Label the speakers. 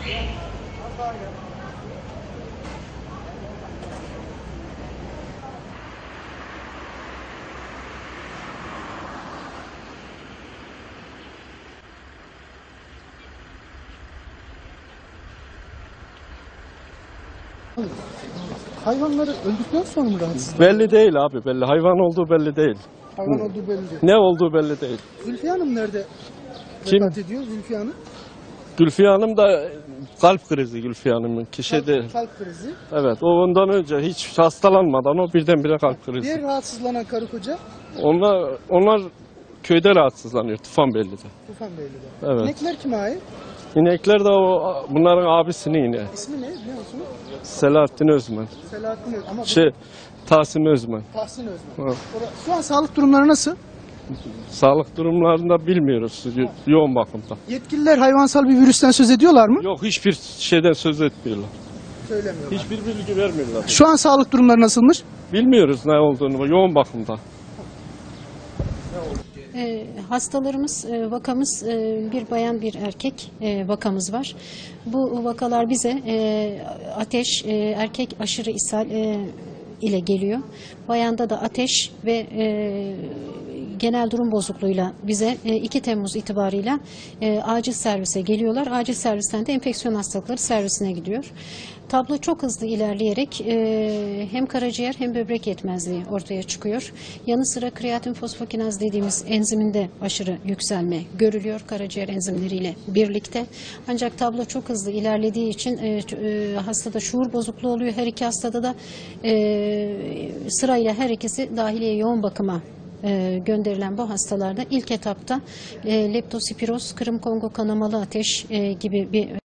Speaker 1: Hayvanları öldükten sonra mı rahatsız?
Speaker 2: Belli değil abi, belli. Hayvan olduğu belli değil.
Speaker 1: Hayvan olduğu belli değil.
Speaker 2: Ne olduğu belli değil.
Speaker 1: Zülfiye Hanım nerede
Speaker 2: Kim?
Speaker 1: vefat ediyor? Zülfiye Hanım.
Speaker 2: Gülfiye Hanım da kalp krizi Gülfiye Hanım'ın kişi de.
Speaker 1: Kalp krizi.
Speaker 2: Evet, o ondan önce hiç hastalanmadan o birdenbire kalp krizi.
Speaker 1: Diğer rahatsızlanan karı koca
Speaker 2: Onlar köyde rahatsızlanıyor Tufanbeyli'de.
Speaker 1: Tufanbeyli'de.
Speaker 2: Evet.
Speaker 1: İnekler kime ait?
Speaker 2: İnekler de bunların abisinin ineği.
Speaker 1: İsmi ne biliyor musunuz?
Speaker 2: Selahattin Özmen.
Speaker 1: Selahattin Özmen. Ama
Speaker 2: Tahsin Özmen.
Speaker 1: Tahsin Özmen.
Speaker 2: Evet.
Speaker 1: Şu an sağlık durumları nasıl?
Speaker 2: Sağlık durumlarında bilmiyoruz yoğun bakımda.
Speaker 1: Yetkililer hayvansal bir virüsten söz ediyorlar mı?
Speaker 2: Yok, hiçbir şeyden söz etmiyorlar.
Speaker 1: Söylemiyorlar.
Speaker 2: Hiçbir bilgi vermiyorlar.
Speaker 1: Şu an sağlık durumları nasılmış?
Speaker 2: Bilmiyoruz ne olduğunu, yoğun bakımda.
Speaker 3: Hastalarımız, vakamız bir bayan bir erkek vakamız var. Bu vakalar bize ateş, erkek aşırı ishal ile geliyor. Bayanda da ateş ve genel durum bozukluğuyla bize 2 Temmuz itibarıyla acil servise geliyorlar. Acil servisten de enfeksiyon hastalıkları servisine gidiyor. Tablo çok hızlı ilerleyerek hem karaciğer hem böbrek yetmezliği ortaya çıkıyor. Yanı sıra kreatin fosfokinaz dediğimiz enziminde aşırı yükselme görülüyor karaciğer enzimleriyle birlikte. Ancak tablo çok hızlı ilerlediği için hastada şuur bozukluğu oluyor. Her iki hastada da sırayla her ikisi dahiliye yoğun bakıma gönderilen bu hastalarda ilk etapta leptospiroz, Kırım Kongo kanamalı ateş gibi bir